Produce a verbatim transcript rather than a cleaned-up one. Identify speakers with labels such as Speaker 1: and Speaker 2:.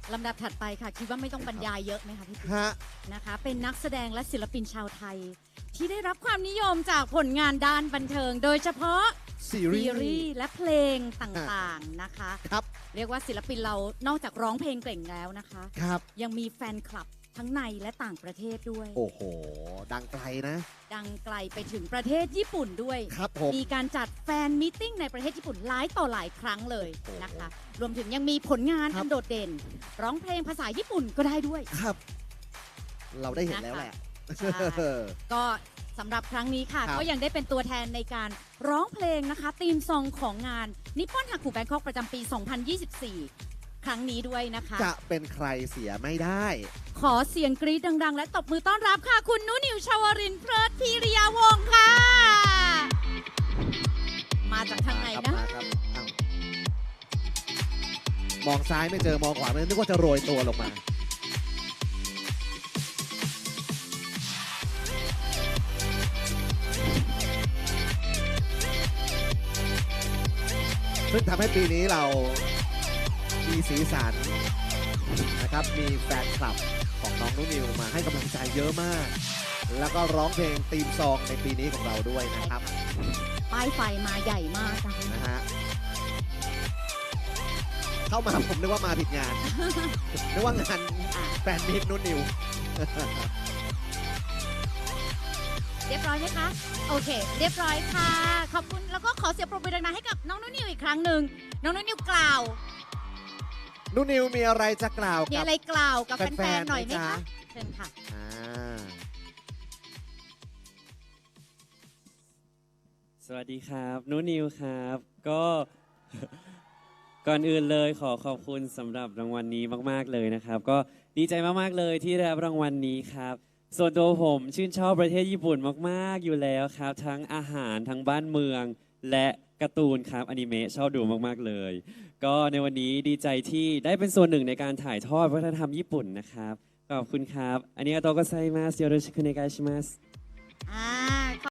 Speaker 1: ลำดับถัดไปค่ะคิดว่าไม่ต้องบรรยายเยอะไหมคะพี่ปิ๊ก
Speaker 2: ฮะ
Speaker 1: นะคะเป็นนักแสดงและศิลปินชาวไทย ที่ได้รับความนิยมจากผลงานด้านบันเทิง โดยเฉพาะ
Speaker 2: ซีรี
Speaker 1: ซีรี
Speaker 2: ส์
Speaker 1: ส์และเพลงต่างๆนะคะ
Speaker 2: ครับ
Speaker 1: เรียกว่าศิลปินเรานอกจากร้องเพลงเก่งแล้วนะคะ
Speaker 2: ครับ
Speaker 1: ยังมีแฟนคลับทั้งในและต่างประเทศด้วย
Speaker 2: โอ้โห ดังไกลนะ
Speaker 1: ดังไกลไปถึงประเทศญี่ปุ่นด้วย
Speaker 2: ครับผม
Speaker 1: มีการจัดแฟนมิทติ้งในประเทศญี่ปุ่นหลายต่อหลายครั้งเลยนะคะ รวมถึงยังมีผลงาน
Speaker 2: ครั
Speaker 1: อั
Speaker 2: บ
Speaker 1: นโดดเด่น ร้องเพลงภาษาญี่ปุ่นก็ได้ด้วย
Speaker 2: ครับ เราได้เห็นแล้วแหละ
Speaker 1: ใช่ ก็สำหรับครั้งนี้ค่ะ
Speaker 2: ครับ
Speaker 1: ก็ยังได้เป็นตัวแทนในการร้องเพลงนะคะธีมซองของงานนิปปอนฮักกูแบงคอกประจำปี สองพันยี่สิบสี่ ครั้งนี้ด้วยนะคะ
Speaker 2: จะเป็นใครเสียไม่ได้
Speaker 1: ขอเสียงกรี๊ดดัง ๆ และตบมือต้อนรับค่ะ คุณนุนิวชวรินทร์เพลิดพิริยาวงศ์ค่ะ มาจากทางไหน
Speaker 2: ครับ
Speaker 1: นะ
Speaker 2: มาครับอ้าวมองซ้ายไม่เจอ มองขวาไม่นึกว่าจะโรยตัวลงมา ซึ่งทำให้ปีนี้เรามีสีสันนะครับ มีแฟนคลับของน้องนุนิวมาให้กำลังใจเยอะมาก แล้วก็ร้องเพลงธีมซองในปีนี้ของเราด้วยนะครับ
Speaker 1: ป้ายไฟมาใหญ่มากนะคะ
Speaker 2: นะฮะ เข้ามาผมนึกว่ามาผิดงาน นึกว่างานแฟนมิตรนุนิว
Speaker 1: เรียบร้อยไหมคะ โอเค เรียบร้อยค่ะ ขอบคุณ แล้วก็ขอเสียงปรบมือดังๆให้กับน้องนุนิวอีกครั้งหนึ่ง น้องนุนิวกล่าว
Speaker 2: นุนิวมีอะไรจะกล่าว
Speaker 1: มี
Speaker 2: กับ
Speaker 1: อะไรกล่าวกับ
Speaker 2: แฟ
Speaker 1: แฟ
Speaker 2: น
Speaker 1: น
Speaker 2: ๆ
Speaker 1: ๆ หน่อยไหม
Speaker 2: ไหมจ๊ะ
Speaker 1: คะเชิญค่ะ
Speaker 2: อ่า
Speaker 3: สวัสดีครับนุนิวครับ ก็ ก่อนอื่นเลยขอขอบคุณสำหรับรางวัลนี้มาก ๆ เลยนะครับ ก็ดีใจมาก ๆ เลยที่ได้รับรางวัลนี้ครับ ส่วนตัวผมชื่นชอบประเทศญี่ปุ่นมาก ๆ อยู่แล้วครับ ทั้งอาหารทั้งบ้านเมือง และการ์ตูนครับอนิเมะชอบดูมาก ๆ เลย ก็ในวันนี้ดีใจที่ได้เป็นส่วนหนึ่งในการถ่ายทอดวัฒนธรรมญี่ปุ่นนะครับขอบคุณครับอันนี้อาโตโกไซมัสโยโรชิคุเนกาชิมัส
Speaker 1: อ่า